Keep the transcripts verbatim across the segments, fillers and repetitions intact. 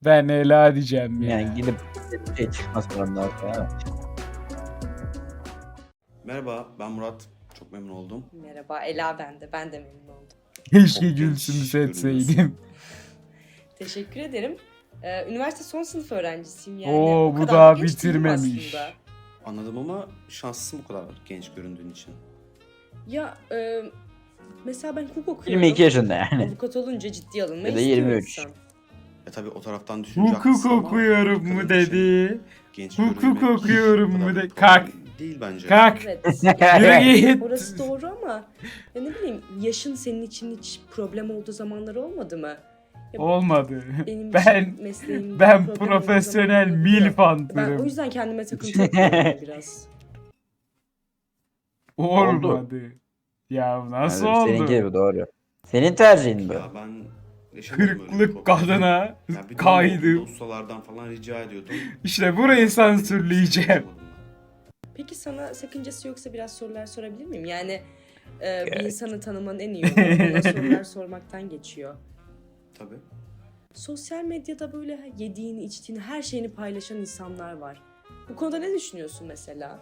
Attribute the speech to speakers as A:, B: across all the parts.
A: Ben Ela diyeceğim ya.
B: Yani gidip bir şey çıkmaz ondan sonra.
C: Merhaba, ben Murat. Çok memnun oldum.
D: Merhaba, Ela ben de. Ben de memnun oldum.
A: Keşke
C: Çok
A: Gülsüm'ü
C: genç
A: seçseydim.
C: görünüyorsun.
D: Teşekkür ederim. Ee, üniversite son sınıf öğrencisiyim yani.
A: Oo,
D: O
A: bu
D: kadar
A: daha
D: da genç değilim
A: bitirmemiş.
D: aslında.
C: Anladım ama şanslısın bu kadar genç göründüğün için.
D: Ya e, mesela ben hukuk okuyorum.
B: yirmi iki yaşında yani.
D: Avukat olunca ciddiye alınmayı
B: Ya da
D: istiyor
B: yirmi üç.
D: insan.
C: E tabi o taraftan düşünce
A: Hukuk
C: haklısın ama
A: okuyorum
C: bu
A: mu
C: kadar için
A: dedi.
C: Genç
A: Hukuk
C: görünmek
A: okuyorum
C: bu kadar
A: mu de-
C: bir problem
A: Kalk.
C: Değil bence.
A: Kalk.
D: Evet.
A: Yürü git.
D: Orası doğru ama ya ne bileyim yaşın senin için hiç problem olduğu zamanlar olmadı mı? Ya
A: Olmadı.
D: benim
A: Ben
D: için mesleğim
A: ben
D: problem olduğu
A: profesyonel
D: zamanlar olabiliyor.
A: milf
D: Ben o
A: antırım.
D: yüzden kendime takıntı yapıyorum biraz.
A: Olmadı. Ya nasıl
B: Yani seninki
A: oldu?
B: de bu doğru. Senin tercihin bu.
C: Ya ben yaşamadım öyle bir
A: Kırklık
C: problem.
A: kadına
C: Ya bir dönem oldu,
A: kaydım.
C: ustalardan falan rica ediyordum.
A: İşte burayı sansürleyeceğim.
C: Yaşamadım ben.
D: Peki sana sakıncası yoksa biraz sorular sorabilir miyim? Yani e, bir
B: Evet.
D: insanı tanımanın en iyi yolu ona sorular sormaktan geçiyor.
C: Tabii.
D: Sosyal medyada böyle yediğini, içtiğini, her şeyini paylaşan insanlar var. Bu konuda ne düşünüyorsun mesela?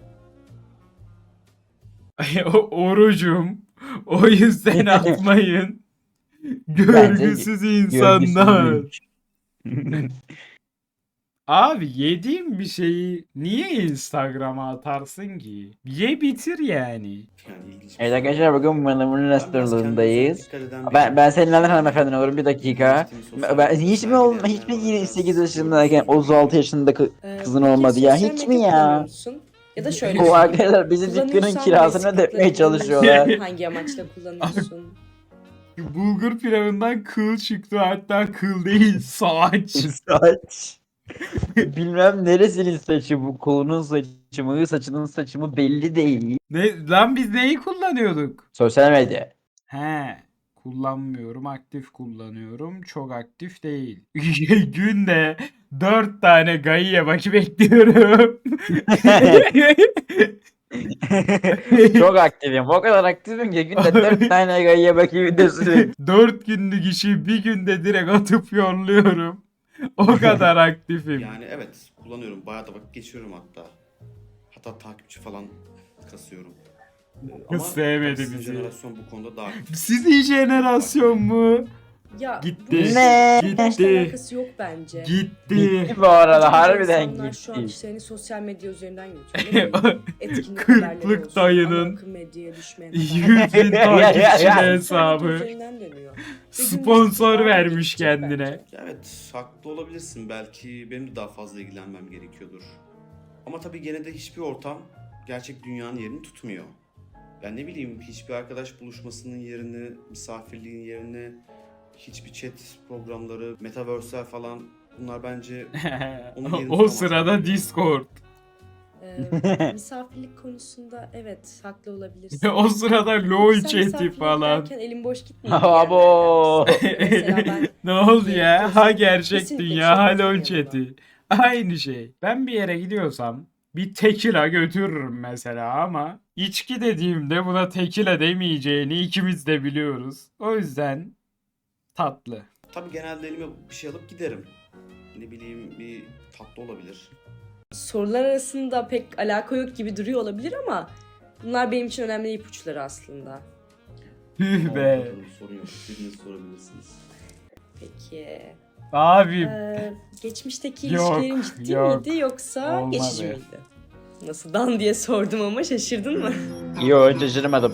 A: O, orucum. O yüzden atmayın.
B: Bence
A: Görgüsüz insanlar.
B: Görgüsüzlük.
A: Abi yediğim bir şeyi niye Instagram'a atarsın ki? Ye bitir yani.
C: Yani ilginç bir
B: Evet
C: soru.
B: arkadaşlar bugün Manamur'un
C: Ben biraz kendime
B: restorandayız.
C: dikkat eden
B: Ben,
C: biriyim.
B: ben seninle hanımefendi olurum bir dakika.
C: Geçtiğim sosyal
B: Ben,
C: medya
B: hiç mi ol,
C: sergileyenler
B: hiç mi
C: var,
B: yirmi sekiz
C: biraz
B: yaşındayken
C: görgüsüz
B: otuz altı yaşında kı-
D: Ee,
B: kızın
D: peki
B: olmadı ya
D: sosyal
B: hiç mi
D: medya kullanıyor
B: ya?
D: musun? Ya da şöyle
B: Bu
D: sorayım.
B: arkadaşlar bizi dükkanın
D: Kullanıyorsan
B: kirasını
D: böyle
B: ödetmeye
D: sıklıkla
B: çalışıyorlar.
D: kullanıyorsun, hangi amaçla kullanıyorsun?
A: Bulgur pilavından kıl çıktı, hatta kıl değil saç.
B: Saç. Bilmem neresinin saçı bu, kolunun saçı mı, saçının saçı mı belli değil.
A: Ne lan, biz neyi kullanıyorduk?
B: Sosyal medya.
A: He, kullanmıyorum, aktif kullanıyorum, çok aktif değil. Günde dört tane gayiye bakı bekliyorum.
B: Çok aktifim. O kadar aktifim ki günde dört tane gayya bakayım videosu.
A: Dört günlük işi bir günde direkt atıp yolluyorum. O kadar aktifim.
C: Yani evet kullanıyorum. Bayağı da vakit geçiriyorum hatta. Hatta takipçi falan kasıyorum. Ee, Ama
A: sevmedi
C: tabii sizin
A: bizi.
C: jenerasyon bu konuda daha aktif.
A: Sizin jenerasyon mu?
D: Ya
A: Gitti.
D: bu
B: Ne?
D: yaşla
A: Gitti.
D: alakası yok bence.
A: Gitti.
B: Gitti bu arada
D: Bence
B: harbiden
D: insanlar şu an
B: gitti.
D: işlerini sosyal medya üzerinden yürütüyor. Etkinlik haberleri
A: Kırklık
D: olsun,
A: dayının
D: ana akım medyaya düşmeyen
A: yüz
D: haberler.
A: bin
B: Ya, ya, ya,
A: takipçili
B: ya.
D: Sosyal medya
A: hesabı.
D: üzerinden dönüyor. Ve gün
A: Sponsor
D: geçtikçe daha da
A: vermiş
D: gidecek
A: kendine.
D: bence.
C: Ya evet haklı olabilirsin. Belki benim de daha fazla ilgilenmem gerekiyordur. Ama tabii gene de hiçbir ortam gerçek dünyanın yerini tutmuyor. Yani ne bileyim hiçbir arkadaş buluşmasının yerini, misafirliğin yerini, hiçbir chat programları, metaverse'ler falan bunlar bence Onun yerini
A: O
C: tutamaz.
A: sırada Discord.
D: Ee, misafirlik konusunda evet haklı olabilirsin.
A: O sırada LOL
D: Sen
A: chat'i
D: misafirlik
A: falan.
D: derken elin boş gitmiyor.
B: Abo.
D: Mesela ben
A: Ne oldu
D: Yeni
A: ya?
D: olsa
A: Ha gerçek
D: kesinlikle
A: dünya,
D: chat
A: ha
D: olsun
A: LOL
D: yanımda.
A: chat'i. Aynı şey. Ben bir yere gidiyorsam bir tekila götürürüm mesela, ama içki dediğimde buna tekila demeyeceğini ikimiz de biliyoruz. O yüzden tatlı.
C: tabii genelde elime bir şey alıp giderim. Ne bileyim bir tatlı olabilir.
D: sorular arasında pek alaka yok gibi duruyor olabilir ama bunlar benim için önemli ipuçları aslında.
A: Tüh be.
C: Anladım, sorun yok. İstediğinizi sorabilirsiniz.
D: Peki.
A: Abi
D: Ee, geçmişteki
A: Yok,
D: ilişkilerin ciddi
A: yok.
D: miydi yoksa
A: Olmadı.
D: geçici miydi? Nasıl dan diye sordum ama şaşırdın mı?
B: Yo şaşırmadım.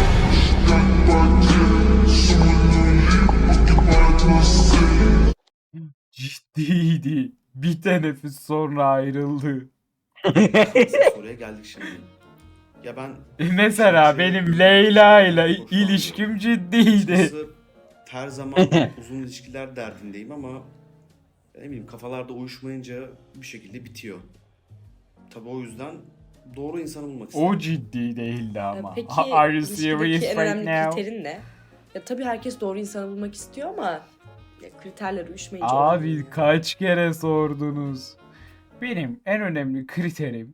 A: ciddiydi. Bir teneffüs sonra ayrıldı.
C: Asıl soruya geldik şimdi. Ya ben
A: Mesela benim Leyla ile ilişkim ciddiydi.
C: açıkçası her zaman uzun ilişkiler derdindeyim ama ne bileyim kafalarda uyuşmayınca bir şekilde bitiyor. Tabii o yüzden doğru insanı bulmak istedim.
A: O ciddi değildi
D: Ee,
A: ama.
D: Peki
A: Are you
D: ilişkideki
A: serious
D: en
A: right
D: önemli
A: now?
D: kriterin ne? Ya tabii herkes doğru insanı bulmak istiyor ama ya kriterler uyuşmayınca
A: Abi
D: olmuyor.
A: kaç kere sordunuz? Benim en önemli kriterim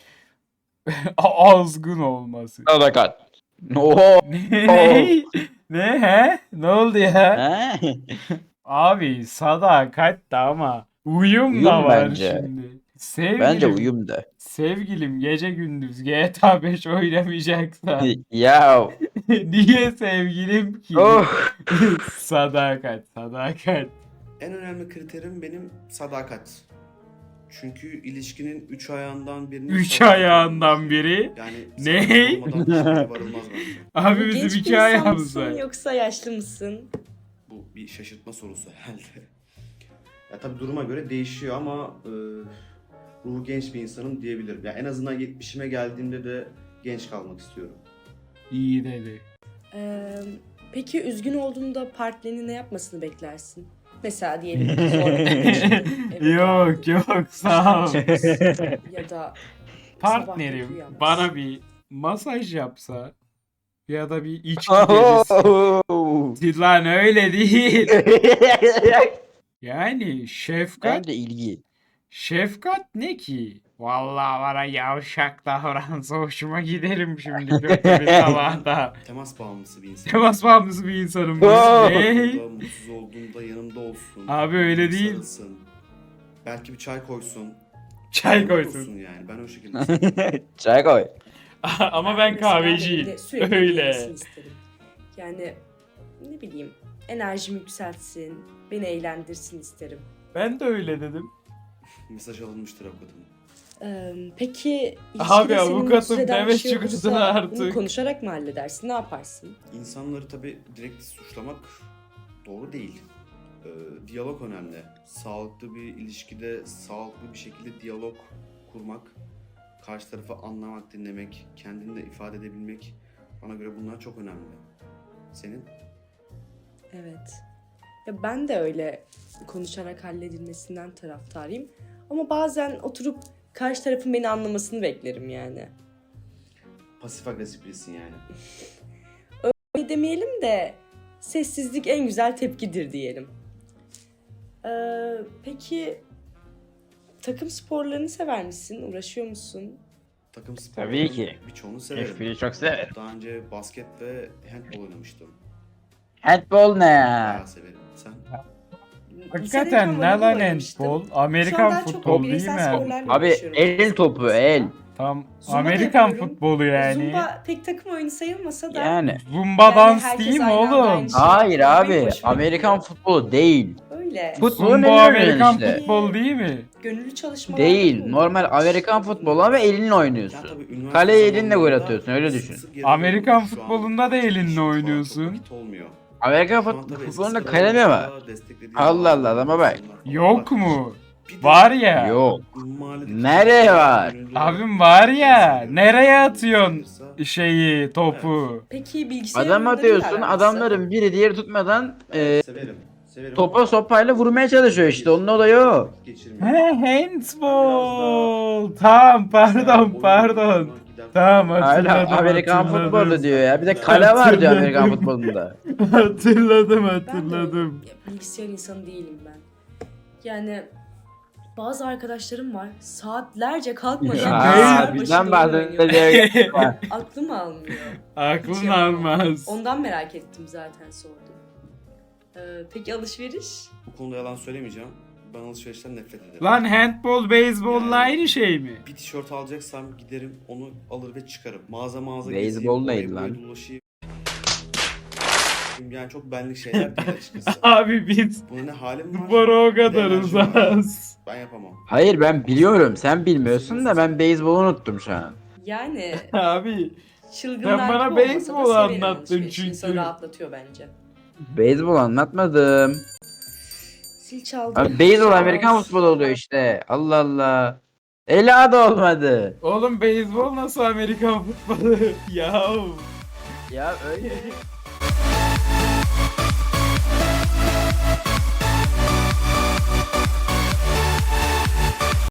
A: azgın olması.
B: Sadakat. Oho.
A: Ne? Ne? Ne he? Ne oldu ya?
B: Ha?
A: Abi sadakat da ama uyum,
B: Uyum
A: da var
B: bence.
A: şimdi. Sevgilim,
B: Bence uyum da.
A: sevgilim gece gündüz G T A beş oynamayacaksa
B: Ya
A: niye sevgilim ki?
B: oh.
A: Sadakat, sadakat.
C: En önemli kriterim benim sadakat. Çünkü ilişkinin üç ayağından birinin
A: Üç
C: sadakat
A: ayağından
C: olması.
A: biri.
C: Yani
A: Ne?
C: sadakat olmadan hiçbir yere varılmaz bence.
A: Abi
D: Genç
A: bizim
D: bir
A: iki
D: insan
A: ayağımız
D: mısın
A: var.
D: yoksa yaşlı mısın?
C: Bu bir şaşırtma sorusu herhalde. Ya tabii duruma göre değişiyor ama e, ruhu genç bir insanım diyebilirim. Ya en azından yetmişime geldiğimde de genç kalmak istiyorum.
A: İyi dedi.
D: Ee, peki üzgün olduğunda partnerinin ne yapmasını beklersin? Mesela diyelim ki zor bir işin, eve
A: Yok
D: geldin.
A: yok sağ ol.
D: Ya da
A: Partnerim
D: sabah uyanmaz.
A: bana bir masaj yapsa ya da bir içki gecesi.
B: Oh.
A: Lan öyle değil. Yani şefkat,
B: Bence ilgi.
A: şefkat ne ki? Vallahi bana yavşak davransa hoşuma giderim şimdi kötü bir sabahta.
C: Temas bağımlısı bir insan.
A: Temas bağımlısı bir insanım.
B: Oh.
A: Ne?
C: Olduğumda, mutsuz olduğumda yanımda olsun.
A: Abi öyle değil.
C: Sarılsın. Belki bir çay koysun.
A: Çay
C: Yanımda
A: koysun.
C: dursun yani. Ben o şekilde.
B: Çay koy.
A: Ama ben
D: Mesela
A: kahveciyim.
D: evde sürekli
A: Öyle.
D: ilgilensin isterim. Yani ne bileyim enerjimi yükseltsin, beni eğlendirsin isterim.
A: Ben de öyle dedim.
C: Mesaj alınmıştır avukatım.
D: Ee, peki
A: Abi,
D: ilişkide seni
A: avukatım
D: mutsuz eden
A: deme
D: bir şey
A: çıkardın
D: olursa
A: artık.
D: bunu konuşarak mı halledersin? Ne yaparsın?
C: İnsanları tabii direkt suçlamak doğru değil. Ee, diyalog önemli. Sağlıklı bir ilişkide sağlıklı bir şekilde diyalog kurmak, karşı tarafı anlamak, dinlemek, kendini de ifade edebilmek bana göre bunlar çok önemli. Senin?
D: Evet. Ya ben de öyle konuşarak halledilmesinden taraftarıyım. Ama bazen oturup karşı tarafın beni anlamasını beklerim yani.
C: Pasif agresif birisin yani.
D: Öyle demeyelim de sessizlik en güzel tepkidir diyelim. Ee, peki takım sporlarını sever misin? Uğraşıyor musun?
C: Takım
B: Tabii
C: sporlarının
B: ki.
C: birçoğunu severim.
B: F biri çok severim.
C: Daha önce basket ve handball oynamıştım.
B: Handball ne ya?
C: Bayağı severim. Sen?
D: Lisedeyken
A: Hakikaten ne
D: voleybol
A: lan
D: oynamıştım.
A: handball?
D: Şu an
A: Amerikan
D: daha çok
A: futbolu değil
D: bireysel
A: mi?
D: sporlarla
B: Abi
D: uğraşıyorum.
B: el topu el.
A: Tam
D: Zumba da
A: Amerikan
D: yapıyorum.
A: futbolu yani.
D: Zumba pek takım oyunu sayılmasa da
B: Yani.
A: Zumba
D: Yani
A: dans
D: herkes
A: değil mi
D: aynı anda
A: oğlum?
D: aynı şey-
B: Hayır
D: Benim
B: abi.
D: hoşuma
B: Amerikan
D: gidiyor.
B: futbolu değil.
D: öyle.
B: Futbolun
A: Zumba
B: en
A: Amerikan
B: işte.
A: futbol değil mi?
D: Gönüllü çalışmalarda
B: Değil.
D: bulundum.
B: Normal Amerikan futbolu ama elinle
C: Ya
B: oynuyorsun.
C: tabii üniversite
B: Kaleye elinle gol
C: zamanlarında
B: atıyorsun, öyle
C: sık
B: düşün.
C: sık yazılıyordum.
A: Amerikan
C: Şu an
A: futbolunda da
C: hiç
A: elinle
C: şu an çok
A: oynuyorsun.
C: vakit olmuyor.
B: Amerikan
C: Şu an
B: fut
C: tabii
B: futbolunda
C: eskisi
B: kale mi
C: kadar
B: var?
C: olsa desteklediğim
B: Allah Allah,
C: bazı
B: adama bak.
C: insanlar falan
A: Yok
C: var.
A: mu?
C: Bir de
A: Var ya.
B: Yok.
C: mahalledeki
B: Nereye
C: çocuklar
B: var?
C: gönüllü olarak
A: Abim var ya.
C: destekliyor.
A: Nereye atıyorsun
C: Sayılırsa-
A: şeyi, topu?
D: Peki bilgisayar
B: Adam
D: oyunlarıyla
B: atıyorsun,
D: aran
B: adamların biri diğeri tutmadan e,
C: Evet, severim. Severim
B: topa
C: ama
B: sopayla vurmaya çalışıyor işte. Onun olayı o.
C: vakit geçirmiyorum.
A: He, handball. Tamam pardon pardon. Tamam
B: Hala
A: hatırladım
B: Amerikan
A: hatırladım.
B: futbolu diyor ya. Bir de kale var diyor Amerikan
A: Hatırladım.
B: futbolunda.
A: Hatırladım
D: Ben de
A: hatırladım.
D: ya, bilgisayar insanı değilim ben. Yani bazı arkadaşlarım var saatlerce kalkmadan
A: Ya,
D: bilgisayar
B: bizden
D: başında oyun oynuyor.
B: bahsediyor.
D: Aklım almıyor.
A: Aklın
D: Hiç yapamam.
A: almaz.
D: Ondan merak ettim zaten sordum. Ee, peki alışveriş?
C: Bu konuda yalan söylemeyeceğim. Ben alışverişten nefret ederim.
A: Lan handball, beyzbolla
C: Yani-
A: aynı şey mi?
C: Bir tişört alacaksam giderim onu alır ve çıkarım. Mağaza mağaza
B: Beyzbol neydi
C: gezeyim, oraya
B: lan?
C: buraya dolaşayım. Yani çok benlik şeyler değil açıkçası.
A: Abi biz
C: Buna ne halim var?
A: spora o
C: ne
A: kadar
C: enerjim var.
A: uzağız.
C: Ben yapamam.
B: Hayır ben biliyorum. Sen bilmiyorsun da ben beyzbolu unuttum şu an.
D: Yani
A: Abi
D: çılgınlar
A: Sen bana
D: gibi olmasa da
A: beyzbol
D: severim
A: anlattın
D: alışverişi.
A: çünkü.
D: İnsanı rahatlatıyor bence.
B: Beyzbol anlatmadım.
D: Zil çaldı.
B: Abi beyzbol
D: Şans.
B: Amerikan futbolu oluyor işte. Allah Allah. Ela da olmadı.
A: oğlum beyzbol nasıl Amerikan futbolu? Yahu.
B: Ya öyle.